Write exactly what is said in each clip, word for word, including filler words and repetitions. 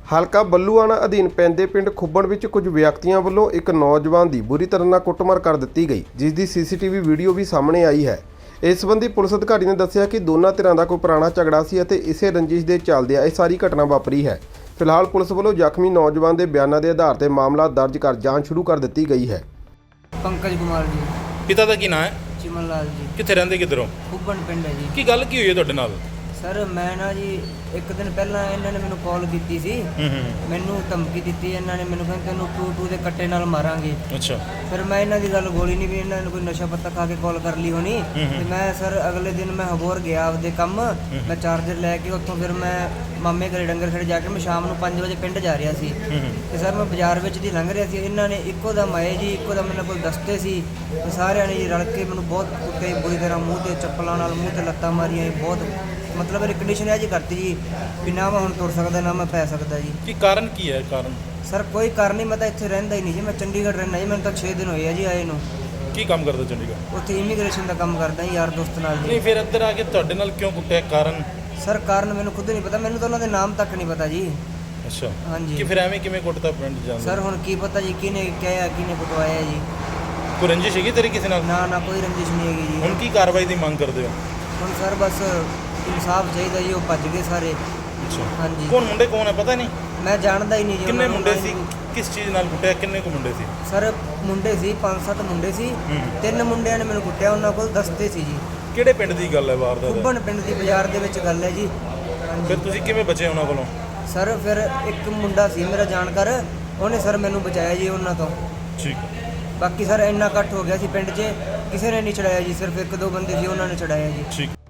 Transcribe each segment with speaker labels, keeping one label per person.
Speaker 1: ਹਲਕਾ ਬੱਲੂਆਣਾ ਅਧੀਨ ਪੈਂਦੇ ਪਿੰਡ ਖੁੱਬਣ ਵਿੱਚ ਕੁਝ ਵਿਅਕਤੀਆਂ ਵੱਲੋਂ ਇੱਕ ਨੌਜਵਾਨ ਦੀ ਬੁਰੀ ਤਰ੍ਹਾਂ ਨਾਲ ਕੁੱਟਮਾਰ ਕਰ ਦਿੱਤੀ ਗਈ, ਜਿਸ ਦੀ ਸੀਸੀਟੀਵੀ ਵੀਡੀਓ ਵੀ ਸਾਹਮਣੇ ਆਈ ਹੈ। ਇਸ ਸੰਬੰਧੀ ਪੁਲਿਸ ਅਧਿਕਾਰੀ ਨੇ ਦੱਸਿਆ ਕਿ ਦੋਨਾਂ ਧਿਰਾਂ ਦਾ ਕੋਈ ਪੁਰਾਣਾ ਝਗੜਾ ਸੀ ਅਤੇ ਇਸੇ ਰੰਜਿਸ਼ ਦੇ ਚੱਲਦਿਆਂ ਇਹ ਸਾਰੀ ਘਟਨਾ ਵਾਪਰੀ ਹੈ। ਫਿਲਹਾਲ ਪੁਲਿਸ ਵੱਲੋਂ ਜ਼ਖਮੀ ਨੌਜਵਾਨ ਦੇ ਬਿਆਨਾਂ ਦੇ ਆਧਾਰ ਤੇ ਮਾਮਲਾ ਦਰਜ ਕਰ ਜਾਂਚ ਸ਼ੁਰੂ ਕਰ ਦਿੱਤੀ ਗਈ ਹੈ।
Speaker 2: पंकज कुमार जी।
Speaker 3: पिता का की नाम है?
Speaker 2: चिमन लाल जी।
Speaker 3: कितने रहंदे किधरों?
Speaker 2: खुब्बन पिंड है जी।
Speaker 3: की गल की हुई है तुहाडे नाल?
Speaker 2: सर मैं ना जी एक दिन पहला इन्होंने मैंने कॉल की सी, मैनू धमकी दी, इन्होंने मैंने कहते तेनों टू टू के कट्टे नाल मारांगे। अच्छा। फिर मैं इन्हों की गल गोली नहीं भी इन्होंने कोई नशा पत्ता खा के कॉल कर ली होनी। तो मैं सर अगले दिन मैं हबोर गया आपदे कम, मैं चार्जर लैके उत्थों फिर मैं मामे घरे डंगर खड़े जाके मैं शाम को पाँच बजे पिंड जा रहा सी। ते सर मैं बाजार विच दी लंघ रहा सी, इन्होंने इक्को दम आए जी, इक्को दम मेरे कोल दसते सी, सारे ने जी रल के मैनू बहुत कुੱਟੇ बुरी तरह मूँह ते चप्पलों नाल मूँह ते लत्तां मारियां। बहुत मतलब मेरी कंडीशन है जी करती जी भी ना मैं हुण तुर सकदा ना मैं पै सकदा जी।
Speaker 3: की कारण की है? कारण
Speaker 2: सर कोई कारण नहीं, मैं तो इत्थे रहिंदा ही नहीं जी, मैं चंडीगढ़ रहना जी, मैंने तो छे दिन होए जी आए नूं।
Speaker 3: की काम करदा चंडीगढ़? उत्थे
Speaker 2: इमीग्रेशन का काम करदा यार दोस्त नाल जी।
Speaker 3: नहीं फिर इधर आके तुहाडे नाल क्यों कुੱਟਿਆ? कारण
Speaker 2: सर कारण मैनूं खुद नहीं पता, मैनूं तो उन्हां दे नाम तक नहीं पता जी।
Speaker 3: अच्छा
Speaker 2: हाँ जी।
Speaker 3: कि फिर एवें किवें कुੱਟਦਾ ਪਿੰਡ ਜਾਂਦੇ?
Speaker 2: सर हुण की पता जी किने कहया किने कुटवाया जी।
Speaker 3: कोई रंजिश हैगी तेरी किसी नाल?
Speaker 2: ना ना कोई रंजिश नहीं हैगी जी।
Speaker 3: हुण की कार्रवाई दी मांग करदे हो?
Speaker 2: हुण सर बस इंसाफ चाहिए जी, वो भज गए सारे।
Speaker 3: अच्छा।
Speaker 2: हाँ जी।
Speaker 3: कौन मुंडे कौन है पता नहीं?
Speaker 2: मैं जानदा ही नहीं जी।
Speaker 3: किन्ने
Speaker 2: उन्हां नूं
Speaker 3: मुंडे
Speaker 2: ना
Speaker 3: सी?
Speaker 2: ही-
Speaker 3: किस चीज़ नाल कुੱਟਿਆ? किन्ने को मुंडे सी?
Speaker 2: सर मुंडे सी पाँच सत्त मुंडे सी, ਤਿੰਨ ਮੁੰਡਿਆਂ ਨੇ ਮੈਨੂੰ ਕੁੱਟਿਆ, ਉਹਨਾਂ ਕੋਲ ਦਸਤੇ ਸੀ ਜੀ।
Speaker 3: ਕਿਹੜੇ ਪਿੰਡ ਦੀ ਗੱਲ ਹੈ ਵਾਰਦਾਤ?
Speaker 2: ਖੁੱਬਣ ਪਿੰਡ ਦੀ ਬਾਜ਼ਾਰ ਦੇ ਵਿੱਚ ਗੱਲ ਹੈ ਜੀ।
Speaker 3: ਫਿਰ ਤੁਸੀਂ ਕਿਵੇਂ ਬਚੇ ਉਹਨਾਂ ਕੋਲੋਂ?
Speaker 2: ਸਰ ਫਿਰ ਇੱਕ ਮੁੰਡਾ ਸੀ ਮੇਰਾ ਜਾਣਕਾਰ, ਉਹਨੇ ਸਰ ਮੈਨੂੰ ਬਚਾਇਆ ਜੀ ਉਹਨਾਂ ਤੋਂ।
Speaker 3: ਠੀਕ।
Speaker 2: ਬਾਕੀ ਸਰ ਇੰਨਾ ਇਕੱਠ ਹੋ ਗਿਆ ਸੀ ਪਿੰਡ 'ਚ, ਕਿਸੇ ਨੇ ਨਹੀਂ ਛੜਾਇਆ ਜੀ, ਸਿਰਫ ਇੱਕ ਦੋ ਬੰਦੇ ਸੀ ਉਹਨਾਂ ਨੇ ਛੜਾਇਆ ਜੀ।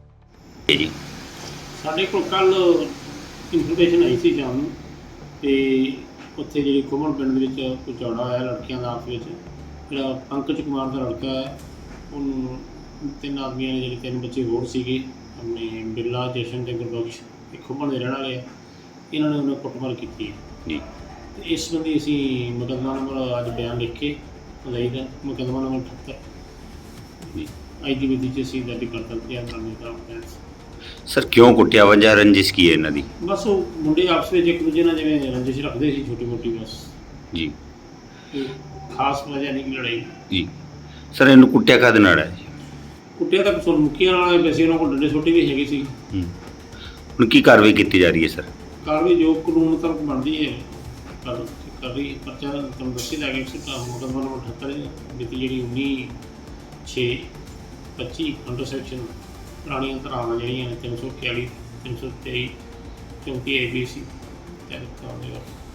Speaker 3: ਠੀਕ
Speaker 4: ਜੀ।
Speaker 5: ਸਾਡੇ ਕੋਲ ਕੱਲ ਇਨਫੋਰਮੇਸ਼ਨ ਆਈ ਸੀ ਸ਼ਾਮ ਨੂੰ, ਤੇ ਉੱਥੇ ਜਿਹੜੀ ਖੁੱਬਣ ਪਿੰਡ ਦੇ ਵਿੱਚ ਕੋਈ ਝਗੜਾ ਹੋਇਆ ਲੜਕੀਆਂ ਦਾ ਆਪਸ ਵਿੱਚ। ਜਿਹੜਾ ਪੰਕਜ ਕੁਮਾਰ ਦਾ ਲੜਕਾ ਹੈ, ਉਹਨੂੰ ਤਿੰਨ ਆਦਮੀਆਂ ਨੇ, ਜਿਹੜੇ ਤਿੰਨ ਬੱਚੇ ਹੋਰ ਸੀਗੇ, ਆਪਣੇ ਬਿਰਲਾ, ਜਸ਼ਨ ਤੇ ਗੁਰਬਖਸ਼, ਇਹ ਖੁੱਬਣ ਦੇ ਰਹਿਣ ਵਾਲੇ ਆ, ਇਹਨਾਂ ਨੇ ਉਹਨਾਂ ਕੁੱਟਮਾਰ ਕੀਤੀ ਹੈ
Speaker 4: ਜੀ।
Speaker 5: ਤੇ ਇਸ ਸੰਬੰਧੀ ਅਸੀਂ ਮੁਕੱਦਮਾ ਨੰਬਰ ਅੱਜ ਬਿਆਨ ਲਿਖ ਕੇ ਅਦਾਈ ਦਾ ਮੁਕੱਦਮਾ ਨੰਬਰ ਅਠੱਤਰ ਅੱਜ ਦੀ ਵਿਧੀ 'ਚ ਅਸੀਂ ਦਰਜ ਕਰਤਾ ਧਿਆਨ ਕਰਨੇ ਦਾ।
Speaker 4: ਸਰ ਕਿਉਂ ਕੁੱਟਿਆ? ਵਜ੍ਹਾ ਰੰਜਿਸ਼ ਕੀ ਹੈ ਇਹਨਾਂ ਦੀ?
Speaker 5: ਬਸ ਉਹ ਮੁੰਡੇ ਆਪਸ ਵਿੱਚ ਇੱਕ ਦੂਜੇ ਨਾਲ ਜਿਵੇਂ ਰੰਜਿਸ਼ ਰੱਖਦੇ ਸੀ ਛੋਟੀ ਮੋਟੀ, ਬਸ
Speaker 4: ਜੀ।
Speaker 5: ਕੋਈ ਖਾਸ ਵਜ੍ਹਾ ਨਹੀਂ ਲੜਾਈ
Speaker 4: ਜੀ ਸਰ ਇਹਨੂੰ ਕੁੱਟਿਆ ਕਾਹਦੇ ਨਾਲ ਹੈ?
Speaker 5: ਕੁੱਟਿਆ ਤਾਂ ਸੁਰਮੁਖੀਆਂ ਨਾਲ, ਵੈਸੇ ਉਹਨਾਂ ਕੋਲ ਡੰਡੇ ਛੋਟੇ ਵੀ ਹੈਗੇ ਸੀ।
Speaker 4: ਹੂੰ। ਹੁਣ ਕੀ ਕਾਰਵਾਈ ਕੀਤੀ ਜਾ ਰਹੀ ਹੈ ਸਰ?
Speaker 5: ਕਾਰਵਾਈ ਜੋ ਕਾਨੂੰਨ ਤੱਕ ਬਣਦੀ ਹੈ ਕਰ ਕਰ ਰਹੀ ਹੈ। ਪਰਚਾ ਤੁਹਾਨੂੰ ਦੱਸੀ ਜਾ ਗਿਆ ਮੁਕੱਦਮਾ ਨੰਬਰ ਅਠੱਤਰ ਮਿਤੀ ਜਿਹੜੀ ਉੱਨੀ ਛੇ ਪੱਚੀ ਅੰਡਰ ਸੈਕਸ਼ਨ ਪੁਰਾਣੀਆਂ ਧਾਰਾਵਾਂ ਜਿਹੜੀਆਂ ਨੇ ਤਿੰਨ ਸੌ ਇਕਤਾਲੀ, ਤਿੰਨ ਸੌ ਤੇਈ, ਚੌਂਤੀ ਏ ਬੀ ਸੀ ਤਹਿਤ